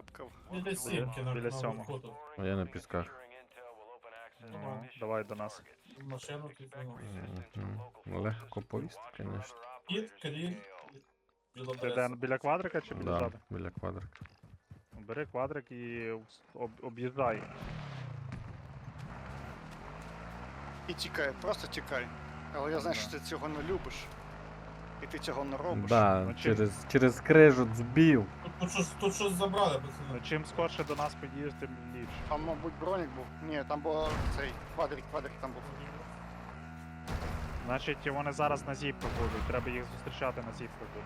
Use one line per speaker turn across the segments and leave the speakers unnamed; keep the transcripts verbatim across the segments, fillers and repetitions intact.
бепкав.
Біля сімки на
Біля
на
сьомого.
верху тут.
А я на пісках.
Ну, давай до нас.
Машину тут воно.
Мгм. Легко повісти, звісно.
Кіт, кріль, біла
Ти де,
береза.
біля квадрика чи біля
Да,
ззаду?
біля квадрика.
Бери квадрик і об, об'їжджай.
І тікай, просто тікай. Але я знаю,
Да.
що ти цього не любиш. І ти цього не робиш.
Да,
Ну, чи-
через, через крижу збив.
Тут, тут, щось, тут щось забрали,
Ну,
пацани.
чим скорше до нас під'їдеш, тим ліпше.
Там, мабуть, бронік був. Ні, там був цей квадрик, квадрик там був.
Значить, вони зараз на зіпку будуть, треба їх зустрічати на зіпку буде.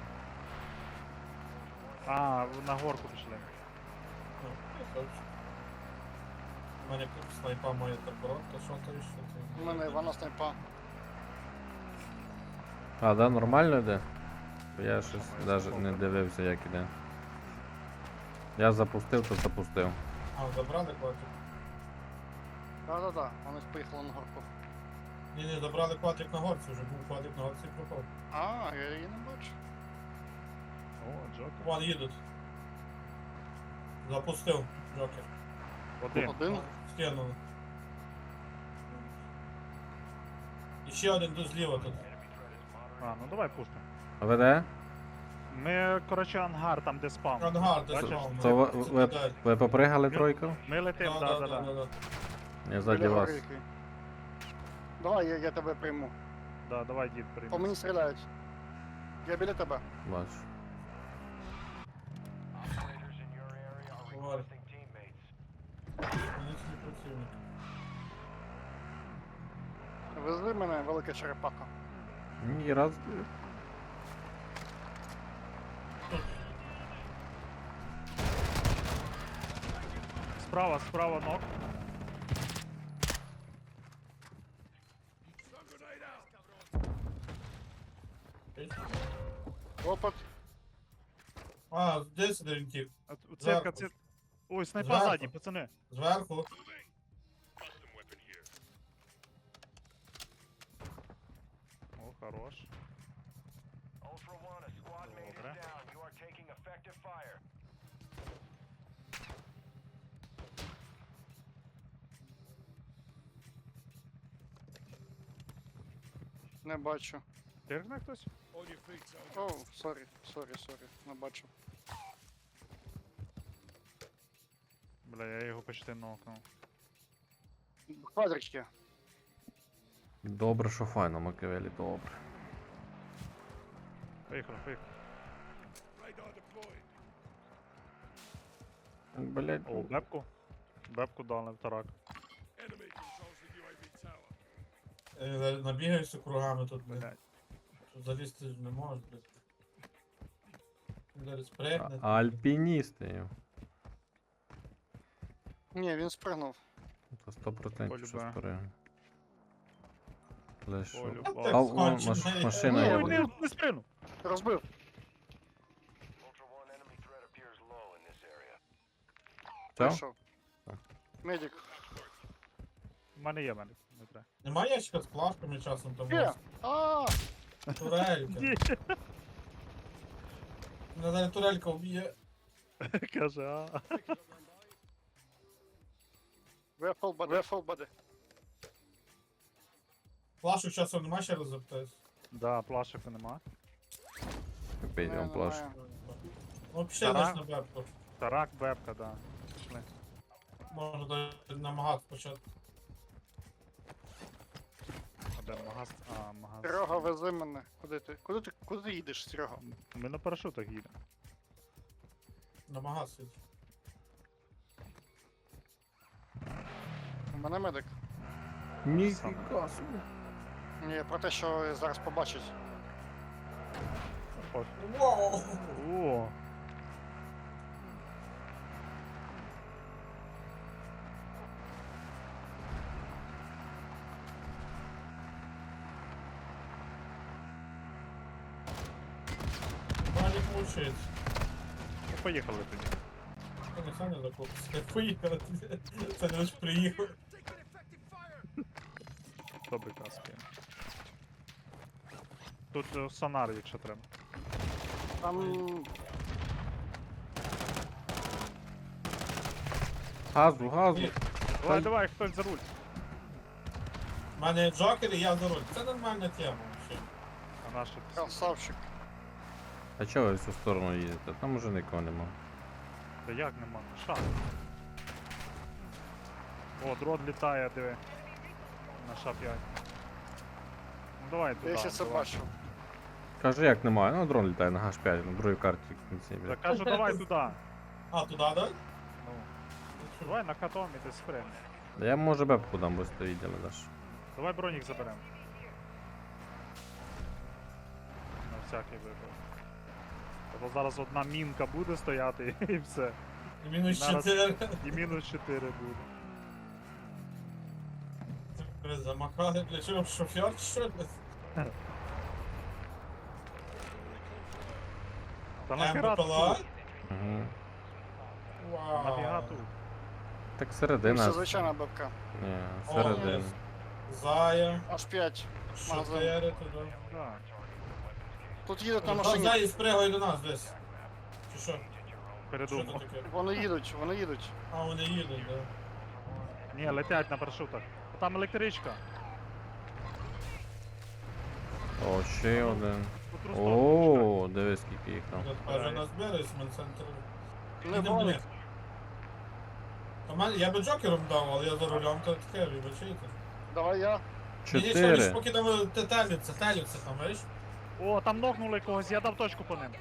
А, на горку пішли.
Ну, я хочу. У мене тут снайпа моя та коротка, що то і що
У
ти.
мене Івана снайпа.
А, да, нормально йде? Я щось навіть не дивився, як іде. Я запустив, то запустив.
А, забрали квадрик?
Да-да-да, вони поїхали на горку.
Ні, ні, забрали квадрик на горці, вже був квадрик на горці і пропав.
А, я її не бачу.
О, Джокер.
Вон їдуть. Запустив, Джокер.
Один.
Один.
Скинули. І ще один тут зліва тут.
А, ну давай пушка.
А ви де?
Ми, коротше, ангар, там де спам.
Ангар, де
Бачиш?
спав.
Це ви, ви, ви попригали тройку?
Ми летим, да, да, да.
Я ззаді
Біля
вас.
горики. Давай, я, я тебе прийму.
Да, давай, дід,
По
прийми.
мені стріляють. Я біля тебе.
Бачу.
Говори. Нічний працівник.
Вези мене, велика черепаха.
Ні, раз.
Справа, справа ног.
Опит.
А, десь один тіп.
А, ц- Цирка,
Зверху.
цирка. Ой, снайпа
Зверху.
ззаді, пацани.
Зверху.
О, хорош. Добре.
Не бачу.
Тиргне хтось?
О, сорі, сорі, сорі, не бачу.
Бля, я його почти нокнув.
Квадрички.
Добре, що файно, Макавелі, добре.
Поїхали, поїхали.
Блять,
О, бепку. Бепку дали в тарак.
Е, зараз Набігаюся кругами тут, блядь.
Блядь.
Тут залізти ж не можеш, блядь. Він зараз спригне.
а альпіністи.
Ні, він спригнув.
Це сто процентів що
Полюбе.
спорив. Лише.
Полю.
Так,
А, о,
скончений.
маш- машина
Ні,
є.
Ой,
вони-
не, не спину.
Розбив.
Все?
Пішов.
Так.
Медик.
У мене є мене. Не треба.
Немає ящика з плашками часом там.
Є. А,
Турелька.
Ні,
Мене зараз турелька вб'є.
каже, а.
ви full body. Ви full body.
Плашок часом нема, ще раз запитаюсь.
Да, плашику нема.
Підемо
Не,
плаш.
немає.
Ну, пішли
Таран.
десь на бебку.
Тарак, бепка, да. Пішли.
Можна навіть намагатися почати.
А де магаз? А, магаз.
Серега, вези мене. Куди ти? Куди ти? Куди ти їдеш, Серега?
Ми на парашутах їдемо.
Намагатися.
У мене медик.
Ніфіга собі.
Ні, про те, що зараз побачить.
Ось.
Вау!
О,
Валік мучить.
ну поїхали тоді.
Це не Саня закупиться. Поїхали. Це не лише приїхав.
Хто би каски. Тут е, сонар, якщо треба.
Там
Газу, газу.
Давай, давай, хтось за руль.
У мене Джокер і я за руль. Це нормальна тема взагалі.
А наше ти
Красавчик.
А чого ви в цю сторону їдете? Там уже нікого нема.
Та як нема? Шаг. О, дрон літає, диви. На ша п'ять. Ну давай туди.
Я ще це
давай.
бачив.
Кажу, як немає. Ну, дрон літає на гаш п'ять, на другій карті в кінці.
Та
блядь.
кажу, давай туди.
А, туди, да?
Ну. Давай на катом і ти спрям.
Я може бепку дам, бо стоїть, але даш.
Давай бронік заберемо. На всякий випадок. Тобто зараз одна мінка буде стояти і все.
І мінус
Зараз-
чотири.
І мінус чотири буде.
Ви замахали, для чого шофер, що ли?
Та нахера
МПЛА?
тут?
Угу.
Нафіга
Вау.
тут?
Так
Це
середина.
звичайна бабка.
Ні,
О,
середина.
Зая.
Аж п'ять.
Чотири туди.
Так.
Тут їдуть на
Та
машині.
Зая спригає до нас десь. Чи що? Що
Передумав.
це таке?
Вони їдуть, вони їдуть.
А, вони їдуть, да.
Ні, летять на парашутах. Там електричка.
О, ще один.
По тру сторону
О, дивись, скільки їх там.
Тут каже, нас бере з центру.
Не гонять.
Я би Джокером дав, але я за рулем, то таке, вибачайте.
Давай я.
Ні, ні, що, лиш
Чотири.
поки там теляться, теляться там, видиш?
почали. О, там нокнули когось, я дав точку по ним.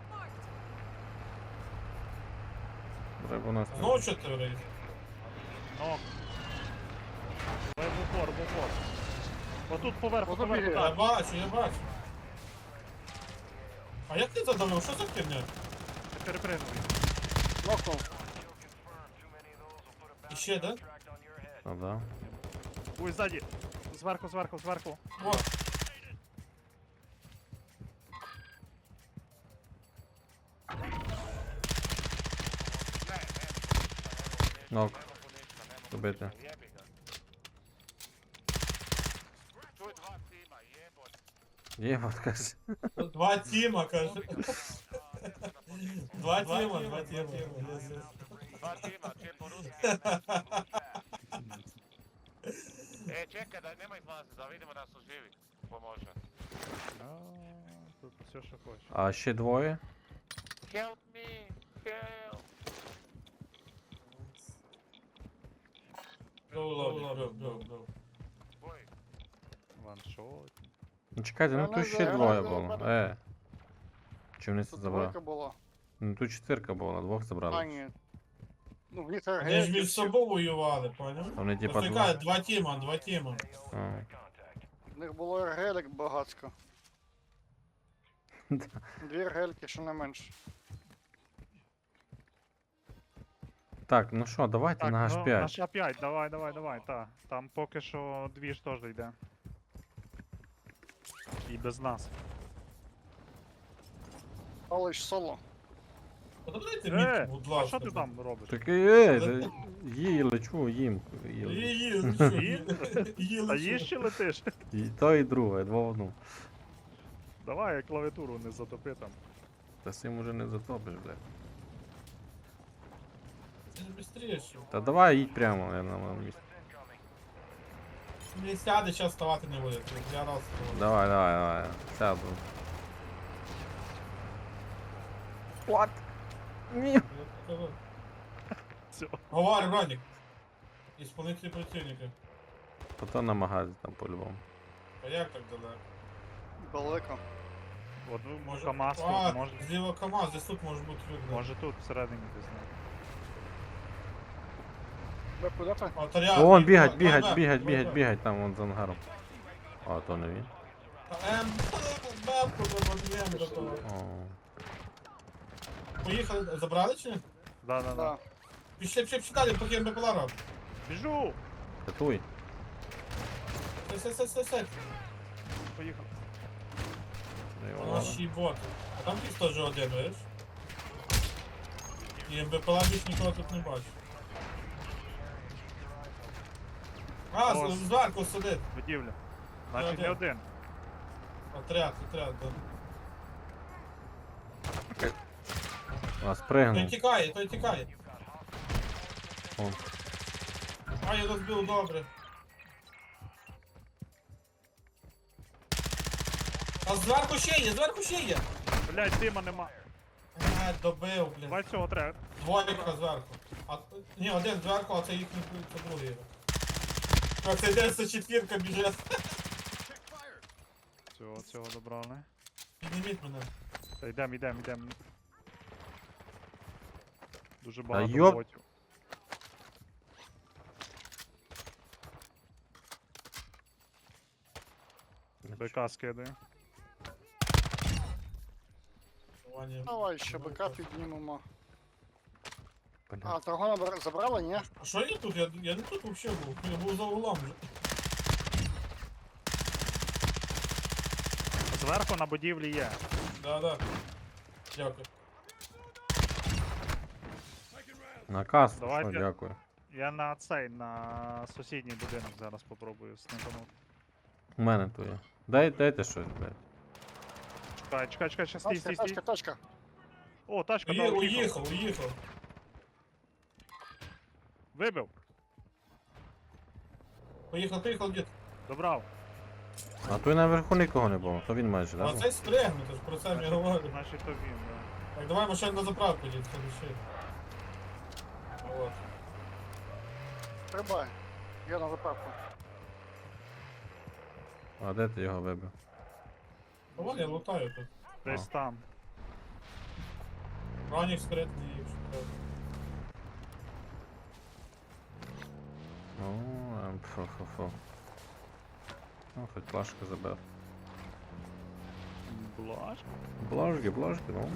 Треба у нас.
Знову чотири.
Нок. Давай в упор, в упор. Отут поверху,
Ото
поверху,
бігає.
Я
так.
бачу, я бачу. А як ти задавив? Що за херня?
Ти перепригнув.
Нокнув.
І ще, да?
Ну, да.
Ой, ззаді. Зверху, зверху, зверху.
О,
Нок. Добити. Єбать, каже.
два тіма, каже. Два тіма, два тіма. Yes, yes.
Dva tima, če poruski. E, čekaj, daj, nemoj izlaziti, da vidimo da su živi. Pomože.
А, Тут все, що хочеш.
А ще двоє.
Help me, help.
Go, low, low, go, go, go.
Boj.
Ваншот.
Ну чекайте, ну
Я
тут
не
ще
знаю,
двоє
я
було.
не
Е. Чи вони це
Тут
забрали?
двойка була.
Ну тут четвірка була, двох
А,
забрали.
ні. Ну, в них
Вони ж
РГ.
між собою воювали, поняв?
Вони типа
Просто
два.
кажуть, два тіма, два тіма.
А.
В них було РГ багацько. Дві РГ-ки, що не менше.
Так, ну що, давайте
Так,
на
ну,
аш
на
п'ять.
ша п'ять, давай, давай, давай, та. Там поки що дві ж теж йде. І без нас.
Палич соло.
Подавайте
Е,
мітку, будь
а
ласка.
що ти там робиш?
Так е, та їй лечу, їм. їм.
Її, ну що,
Її?
її
Та
лише.
їж чи летиш?
І то, і друге, два в одну.
Давай, клавіатуру не затопи там.
Та з цим уже не затопиш, блядь.
Це ж бистріше.
Та давай їдь прямо, я на моєму місці.
Не сяде, зараз ставати не буде. Я раз ставав.
Давай, давай, давай. Сяду. What? Ні.
Я кажу.
Все.
Говори, Ронік. Ісполнитель противника.
Потім на магазі там по-любому.
А як так далеко?
Далеко.
От ну,
Може...
КамАЗ
а,
тут, може,
зліва КамАЗ, десь тут може бути люди.
може тут всередині десь. не.
Ви куди ти?
А, то я-
Вон,
я-
бігать,
я-
бігать,
я-
бігать,
я-
бігать,
я-
бігать, там вон за ангаром. А, то не він.
Та, Ем, бабку забудуємо до того.
О.
Поїхали, забрали чи ні?
Да, да, да.
Да.
Пішли, пішли, пішли далі, поки МБПЛА робить.
Біжу!
Татуй.
Все, все, все, все.
Поїхав.
У нас ще й боти. А там тих теж один, видиш? І МБПЛА більш нікого тут не бачу. А,
О,
з- зверху сидить.
Будівля. Значить
один.
не один.
Отряд, отряд, да.
А,
Той
спригнув.
тікає, той тікає.
О.
А, я розбив добре. А зверху ще є, зверху ще є.
Блядь, дима нема.
А, добив, блін.
Давай цього треба.
Двойка зверху. А, ні, один зверху, а це їхній, це другий. А це йде це четвірка біжить.
Цього, цього добрали.
Підніміть мене.
Та йдем, йдем, йдем. Дуже багато
йоп.
ботів. БК скидаю.
Ваня.
Давай ще БК піднімемо.
Блін.
А, драгона бра- забрали, ні?
А що я тут? Я, я не тут взагалі був. Я був за углом вже.
Зверху на будівлі є.
Да, да. Дякую.
Наказ,
Давайте.
що, дякую.
Я на цей, на сусідній будинок зараз попробую снипанути.
У мене то є. Дай, дайте щось, блядь.
Чекай, чекай, чекай, ще стій,
Тачка,
стій, стій.
тачка, тачка.
О, тачка, да,
Уї-
уїхав.
Уїхав, уїхав.
Вибив.
Поїхав, поїхав, дід.
Добрав.
А той наверху нікого не було, то він майже,
А
да?
цей спрягнути, ж про це я говорю.
Значить то він, да.
Так, давай машину на заправку, дід, ще. Вот.
Стрибай. Я на заправку.
А де ти його вибив?
А вон я лутаю тут.
Десь там.
Ранік спрятаний, якщо треба.
О, ем, фу-фу-фу. Ну, хоч плашку забив.
Блаш.
Бложки, бложки, ну.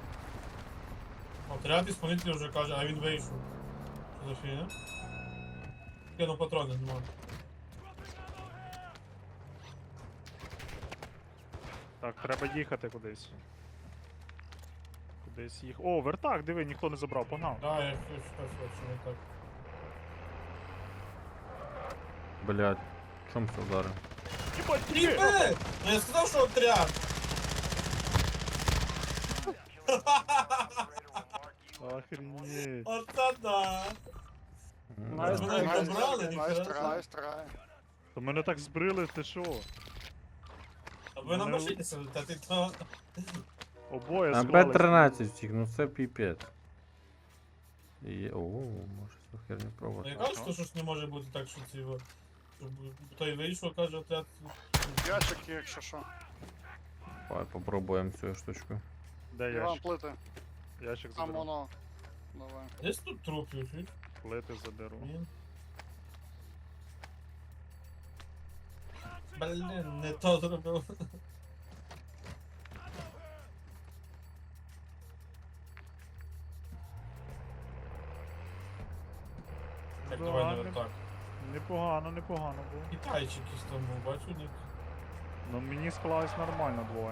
Отряд ісполнитель вже каже, а він вийшов. Що за фігня? Кину патрони, нема.
Так, треба їхати кудись. Кудись їх. О, вертак, диви, ніхто не забрав, погнав.
Да, я щось щось що не так.
Блядь, чом це вдарив?
Єбать,
Тріпе! Ну я сказав, що отряд!
Охренеть.
Оце да!
М,
Найс,
да.
Мене
найс,
забрали,
найс,
ніхера
найс,
собі.
найс, трай.
То мене так збрили, ти що?
А ви на
Мене-
машині сидите, ти то...
Обоє
А
склались.
Б тринадцять втік, ну це піпець. І є- О, може цю херню
Ну я
пробувати.
кажу, що щось не може бути так, що ці... от, Щоб той вийшов, каже, отряд...
Ящик, є, якщо що.
Давай попробуємо цю штучку.
Де
Іван,
ящик?
плити.
Ящик
Там
заберу.
воно. Давай.
Десь тут трупів, чуєш?
Плити заберу.
Блін. Блін, не то зробив. Так, давай
Ладно.
не так.
Непогано, непогано було.
Китайчик якийсь там був, бачу, ні.
Ну мені склалось нормально двоє.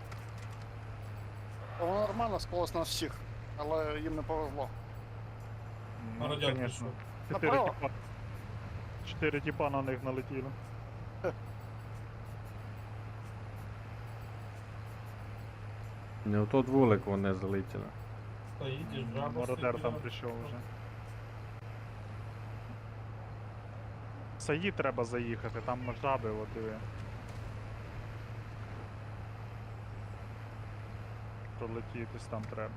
Та воно нормально склалось на всіх, але їм не повезло.
На
Ну,
радіатор
конечно.
пішов.
Чотири
Направо.
тіпа. Чотири тіпа на них налетіло.
Не в тот вулик вони залетіли.
Та їдеш, жаба.
Мародер там
стоїть.
прийшов вже. Саї треба заїхати, там жаби от диви. Пролетітись там треба.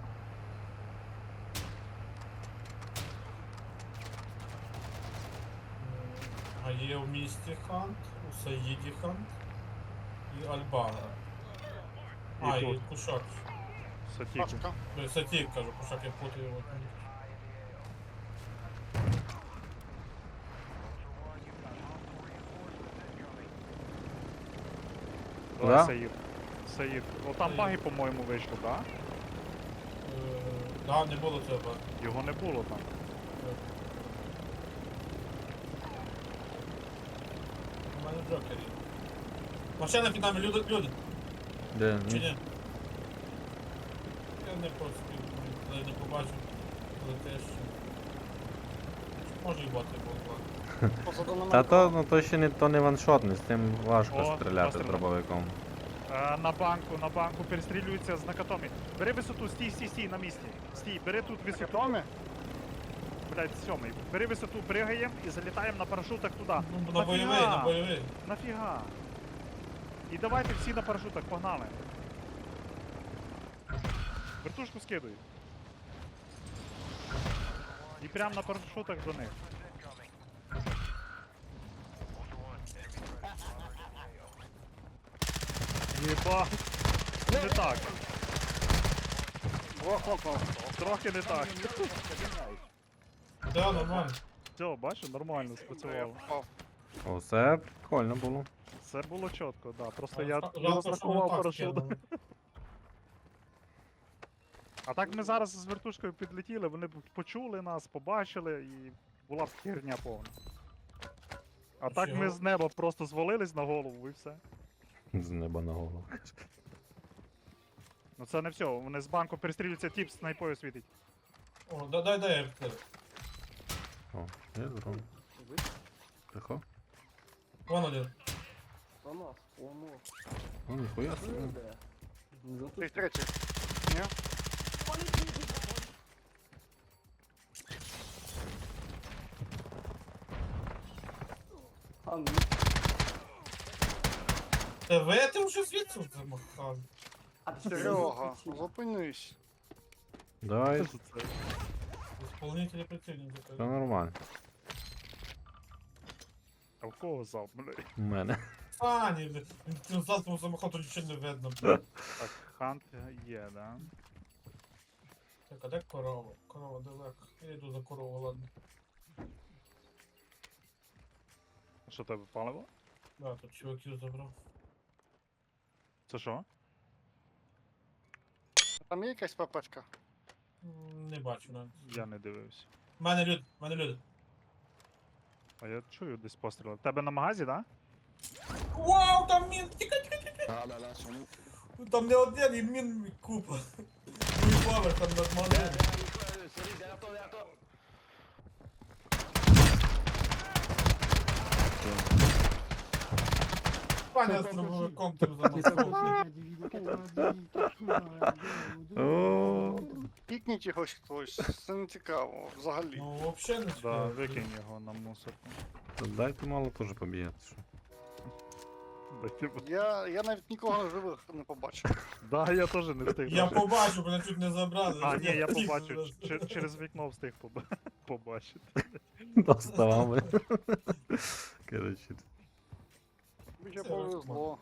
А є в місті хант, у Саїді хант і Альбана.
І
А, і
тут.
Кушак.
Сатіку.
Пашка.
Ой, Сатік, кажу, Кушак, я путаю його.
Давай
Да?
Саїд. Саїд. О, там
Саїд.
баги, по-моєму, вийшло, так?
Е, Да, не було цього.
Його не було там.
У мене Джокер є. Машина під нами, люди, люди.
Де?
Чи
Ні?
ні? Я не просто коли не побачив, коли теж. Може і боти було.
Позаду
Та
намет.
то, ну то ще не то не ваншотний, з тим важко
О,
стріляти
постріляв.
дробовиком.
Е, на банку, на банку перестрілюється з накатомі. Бери висоту, стій, стій, стій на місці. Стій, бери тут висоту.
Томі?
блядь, сьомий. Бери висоту, пригаємо і залітаємо на парашутах туди.
Ну, на бойовий, на бойовий.
Нафіга? І давайте всі на парашутах, погнали. Вертушку скидуй. І прям на парашутах до них. Єба. Не так.
Двох нокнув.
Трохи не так.
Да, нормально.
Все, бачиш, нормально
Я
спрацювало.
впав.
О, це прикольно було.
Все було чітко, да. Просто
А,
я
жалко,
не
що
розрахував
не так
парашут.
скинули.
А так ми зараз з вертушкою підлетіли, вони б почули нас, побачили і була б херня повна. А так ми
Чого?
з неба просто звалились на голову і все.
З неба на голову.
Ну це не все, вони з банку перестрілюються, тіп снайпою світить.
О, да- дай, дай, я втер.
О, є дрон. Тихо.
Вон один.
О, ніхуя собі.
Ти третій. Ні?
Тебе ти вже звідси замахав.
Серега, зупинись.
Дай,
Що це?
Исполнителі противника.
все нормально.
А в кого залп, блядь?
У мене.
Фані, блядь. Він цим залпом замахав, то нічого не видно, блядь.
Так, хант є, да?
Так, а де корова? Корова далеко. Я йду за корову, ладно.
А що тебе паливо?
Да, тут чуваків забрав.
Це що?
Там є якась папочка?
М, Не бачу навіть.
Я не дивився.
В мене люди, в мене люди.
А я чую десь постріли. В тебе на магазі, да?
Вау, там мін! Тікай, тікай, тікай! Там не один, і мін купа. Другий поверх там над магазином. Паня з дробовиком тим замахав.
О,
Пікніть його хтось, це не цікаво, взагалі.
Ну, взагалі не
Да,
цікаво.
викинь його на мусорку.
то дайте мало теж побігати. Що.
Дайте б-
Я, я навіть нікого живих не побачив.
Да, я теж не встиг.
Я
даже.
побачу, мене чуть не забрали.
А, ні, я
втік
побачив.
зараз.
Чер- Через вікно встиг поба- побачити.
Доставали. Коротше.
Мені
Це
повезло.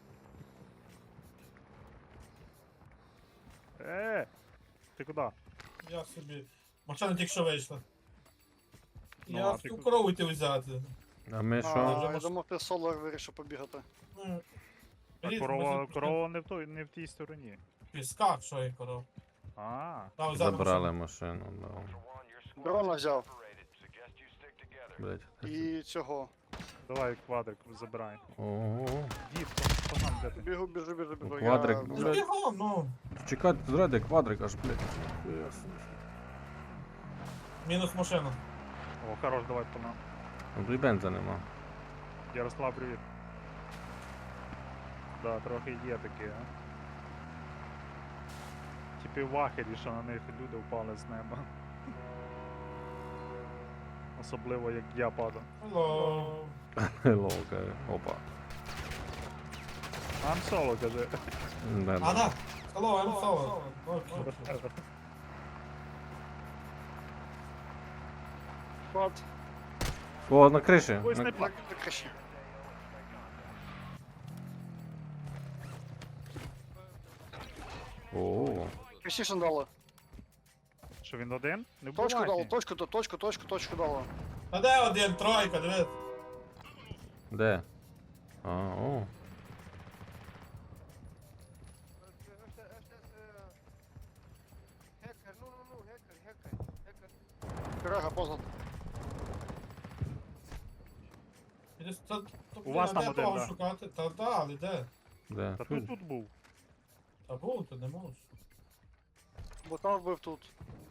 Е, ти куди?
Я собі. Машина тільки що вийшла.
Ну,
Я
а
в
ти
ту
ку-
корову йти взяти.
А ми
А,
що?
я думав, ти соло вирішив побігати.
Ну,
А
різ,
корова,
ми
корова не в той, не в тій стороні.
Піска, що я коров.
А,
Там взяти
Забрали
машину.
машину, да.
Дрона взяв.
Блять.
І цього.
давай квадрик забирай.
Ого.
Дід, по нам де ти?
Бігу, біжу, біжу, біжу.
Квадрик,
Я...
ну,
Ну, бігом, ну.
Чекати зради квадрик аж, блять.
Мінус машина.
О, хорош, давай по нам.
Ну, і бенза нема.
Ярослав, привіт. Да, трохи є таке, а. Типи вахері, що на них люди впали з неба. Особливо як я падав.
Hello.
Hello, каже. Опа.
Ам соло, каже.
Да,
А,
да.
да. Hello, I'm Solo. Окей.
Квад.
О, на криші.
Ой,
На-
снайпер.
На криші.
О,
Криші дало.
Що він один? Не
Точку дало,
вбивайте.
точку, то- точку, точку, точку дало.
Та де один, тройка, дивись.
де? А, о.
Гекер, ну, ну, ну, гекер, гекер, гекер. Серега, позад.
Іди, та- та,
У вас
а
там
де
один,
того
да.
шукати? Та да, але де?
Де?
Та тут тут був.
Та був, ти не можеш.
Бо там вбив тут.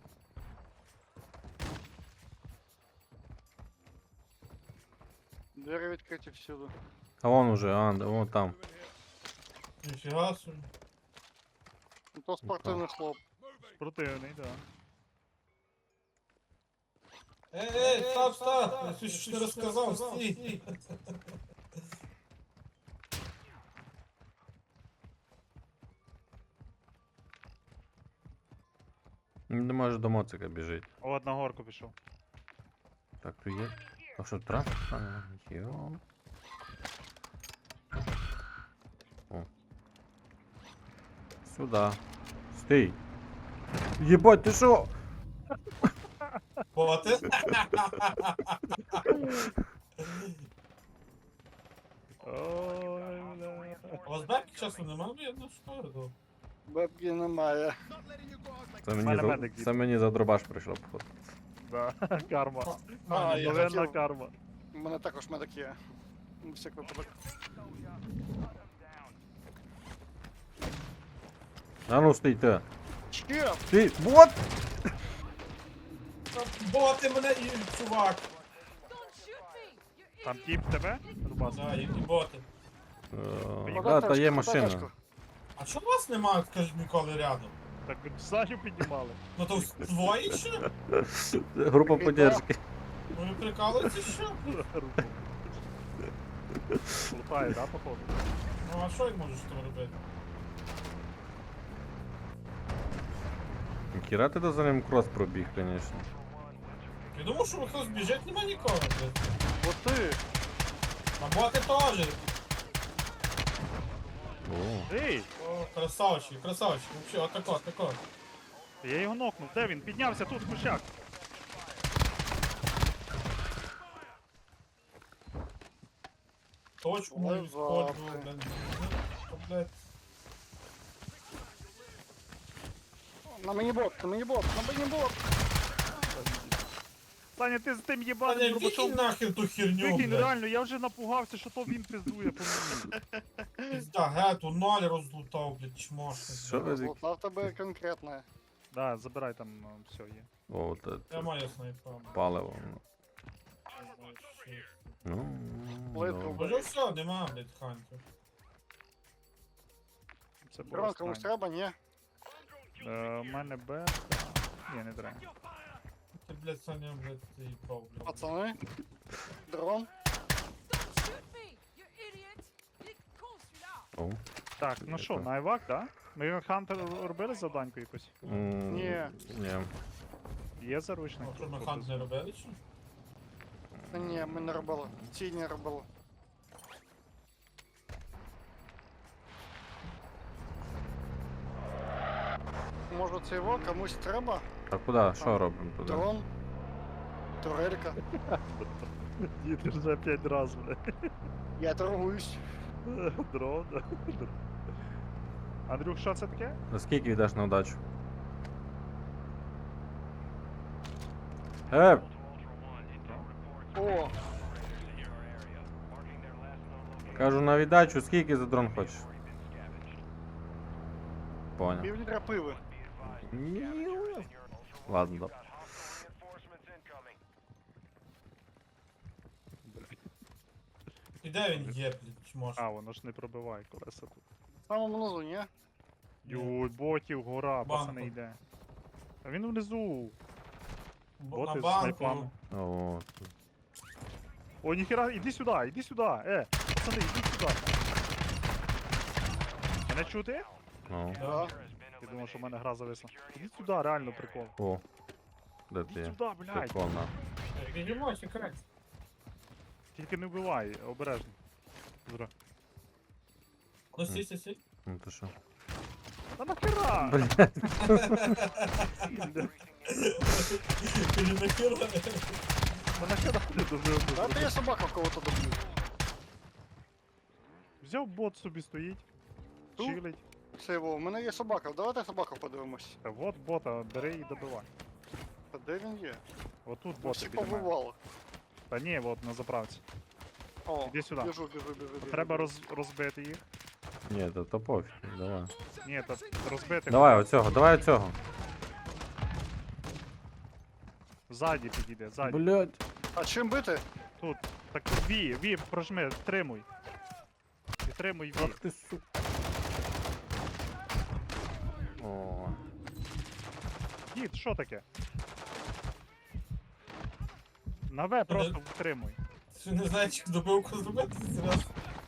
Двері відкриті всюди.
А вон уже, а, да, вон там.
Ніфіга собі.
Ну, то спортивний хлоп.
Противний, да.
Ей, ей, став, став! Я щось не розказав, стій!
Не може до моцика біжить.
От на горку пішов.
Так, тут є. А що, трап? А, йо. О. Сюда. Стій. Єбать, ти що?
Боти?
Ой, бля.
У вас бабки часу немає? Я не шкоду.
Бабки немає.
Це
мене
мені, за...
медик
Це мені за дробаш прийшло, походу.
Да, карма.
А, я
Новинна
хотів.
карма.
У мене також медик є. На всяк випадок.
А ну стійте.
Ще!
Стій. Вот!
Боти мене і чувак!
Там тіп тебе? Рубас.
Да, і боти.
Е,
Поїхали.
Да, та є
Податочку,
машина.
податочку.
А чого вас немає, скажіть, ніколи рядом?
Так ви Саню піднімали.
Ну то двоє ще?
Група
Біда.
поддержки.
Ви прикалуєтесь що?
Лутає, да, походу?
Ну а що я можу з тим робити?
Кіра ти до за ним крос пробіг, звісно.
Я думав, що хтось біжить, нема нікого. блядь.
Вот ти!
А боти теж.
О.
Ей!
О, красавчик, красавчик. Вообще, отако, отако.
Я його нокнув. Де він? Піднявся тут, кущак.
Точку мою
Лежати.
сходжу, блядь. Ну, блядь.
На мені бот, на мені бот, на мені бот!
Саня, ти з тим
Таня,
єбаним
викинь
дробачом.
нахер ту херню,
Викинь,
блядь.
реально, я вже напугався, що то він пиздує по мені.
Пизда, гету, ноль розлутав, блядь, чмошник.
Що ви?
Злота в тебе конкретне.
Да, забирай там, ну, все є.
О, це,
Я
це
маю снайпа.
паливо. ну. Ну,
Плитку
добре.
Може все, нема, блядь, хантів.
Це було
Дрон комусь
странно.
треба, ні?
Е, У мене Б. Ні, не треба.
Ти, блядь, Саня, блядь, ти їбав, блядь.
Пацани. Дрон.
О.
Так, ну що, на Айвак, да? Ми Хантер робили завданьку якусь?
М,
Ні.
Ні.
Є заручник?
А що ми
Тут
хант не робили, чи?
Та ні, ми не робили. Ці не робили. Може це його комусь треба?
А куди? Що робимо туди?
Дрон? Турелька?
Діти вже п'ять раз, бля.
Я торгуюсь.
Дрон. Андрюх, що це таке?
За скільки віддаш на удачу? Е,
О,
кажу на віддачу, скільки за дрон хочеш? Понял.
пів літра пиви.
Ладно, добре.
І де він є, блядь, чмошник?
А, воно ж не пробиває колеса тут.
В самому низу, ні?
Юй, ботів, гора,
Банку.
пацани йде. А він внизу.
Бо-
Боти
На
з
банку.
снайпами.
О,
О, ніхера, іди сюди, іди сюди, е, пацани, іди сюди. Мене чути?
ну.
Да.
Я думав, що в мене гра зависла. Іди сюди, реально прикол.
О. Де
Іди
ти є?
сюди, блядь.
Прикольно.
Бігемо, секрет.
Тільки не вбивай, обережно. Зра.
Ну, сі, сі, сі.
Ну ти що?
Та нахера?
Блядь.
Ти нахер?
Та нахера ти добив?
Та ти я собака в кого-то доб'ю.
Взяв бот собі стоїть,
Ту?
чилить.
Це його, у мене є собака, давайте собаку подивимось.
Та от бота, бери і добивай.
Та де він є?
Отут
Ну,
боти
всі
біля мене.
побивало.
Та ні, от на заправці.
О,
Іди сюди.
біжу, біжу, біжу, біжу.
Треба роз, розбити їх.
Ні, то, то пофіг, давай.
Ні, та розбити.
Давай оцього, давай оцього.
Ззаді підійде, ззаді.
Блять.
А чим бити?
Тут. Так ві, ві, прожми, тримуй. Підтримуй ві.
Ах ти су. О.
Дід, що таке? На В просто втримуй.
Що не знаєш, як добивку зробити? Серйозно?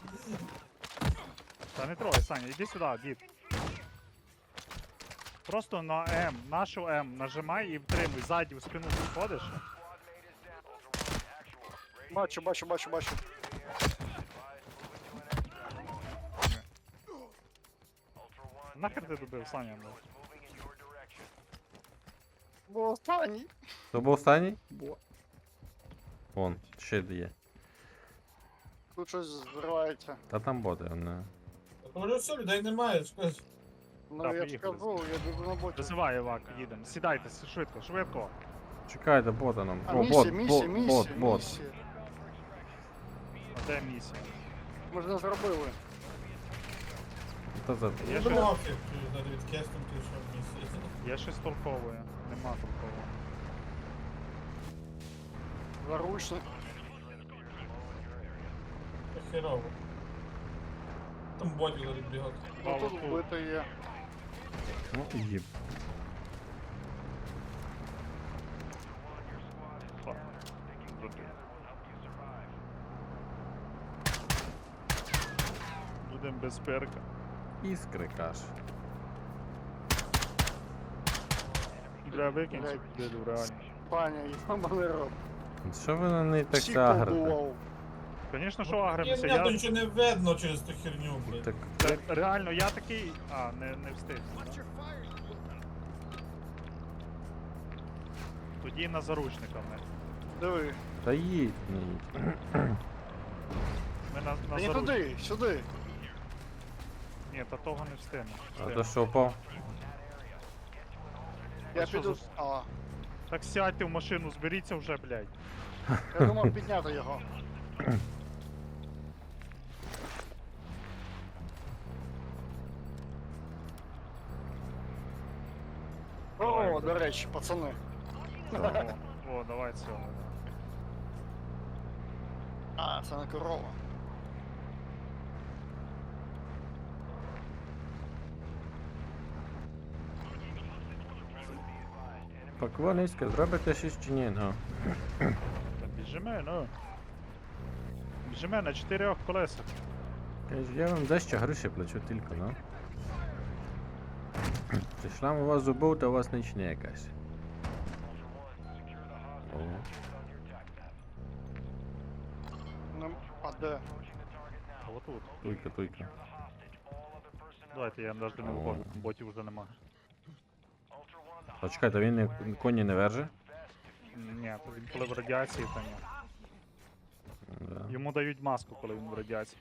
Та не трогай, Саня, іди сюди, дід. Просто на М, нашу М нажимай і втримуй. Ззаді в спину підходиш.
Бачу, бачу, бачу, бачу.
Нахер ти добив, Саня? ну?
Бо останній.
То був останній? Вон, ще є.
Тут щось зривається.
Та там боти, не.
Говорю, все, людей немає, скажи.
Ну
Так,
я ж
поїхали.
кажу, я біду на боті.
Визивай, Івак, їдемо. Сідайте, с- швидко, швидко.
Чекайте, бота нам.
А
О,
місія,
бот,
місія,
бот,
місія,
бот, бот.
місія.
А де місія?
Ми ж не зробили.
Та за...
Є
Я
щось,
думав, як ти навіть кестом ти що в місці.
є щось толкове. Нема толкового.
Заручник.
Це херово. Там боді лежить бігати.
Ну
Мало
тут
тут.
вбито є.
Ну, їб.
Фак. Забив. Будем без перка.
Іскри каш.
Бля, викинь цю
Блядь.
дилю, реально.
Паня, я мене роб.
Що ви на неї так
Всіх
агрите?
побував.
Звісно, що
Ні,
агримося,
ні, то
я...
нічого не видно через ту херню, блядь.
Так,
Та, реально, я такий... А, не, не встиг. да? Тоді на заручника ми.
Диви.
та їдь, не їдь.
Ми на, на
Та не
заручника.
туди, сюди.
Ні, та того не встигнемо.
А
Встигнемо.
то що впав?
Я
А що
піду.
за-
А,
Так сядьте в машину, зберіться вже, блядь.
я думав підняти його. О, до речі, пацани.
О, о, давай цього.
А, це не корова.
Поквалиська, зробите щось чи ні? Ну.
Та біжиме, ну. Біжиме на чотирьох колесах.
Каже, я вам дещо гроші плачу тільки, ну. Прийшла у вас зубов, та у вас ніч не якась. О,
Ну, а де?
А отут.
туйка, туйка.
Давайте я навіть не виходжу, ботів вже нема.
А чекайте, він не- коні не верже?
Ні, то він коли в радіації, то ні.
Да.
Йому дають маску, коли він в радіації.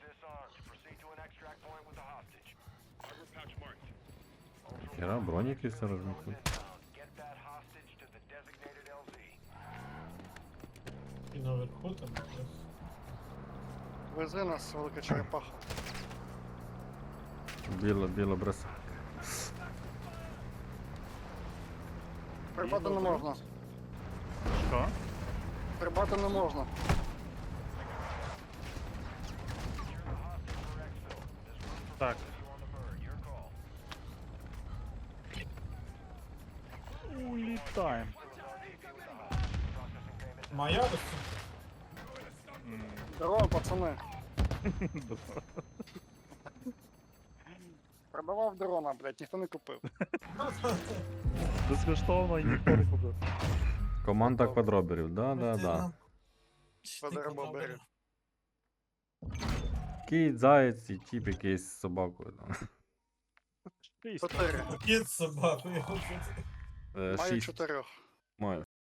Хера, броніки все розмітили.
І наверху там. якраз.
Вези нас, велика черепаха.
Біло, біло броса.
Прибати не можна.
Що?
Прибати не можна.
Так. Улітаємо.
Моя ось
М,
Здорово, пацани. Продавав дрона, блядь, ніхто не купив.
Безкоштовно і ніхто не купив.
Команда квадроберів, да, да, да.
Квадроберів.
Кіт, заєць і тіп якийсь з собакою. Там.
Шість.
Чотири.
кіт з собакою.
Е,
Маю
Шість.
чотирьох.
Маю.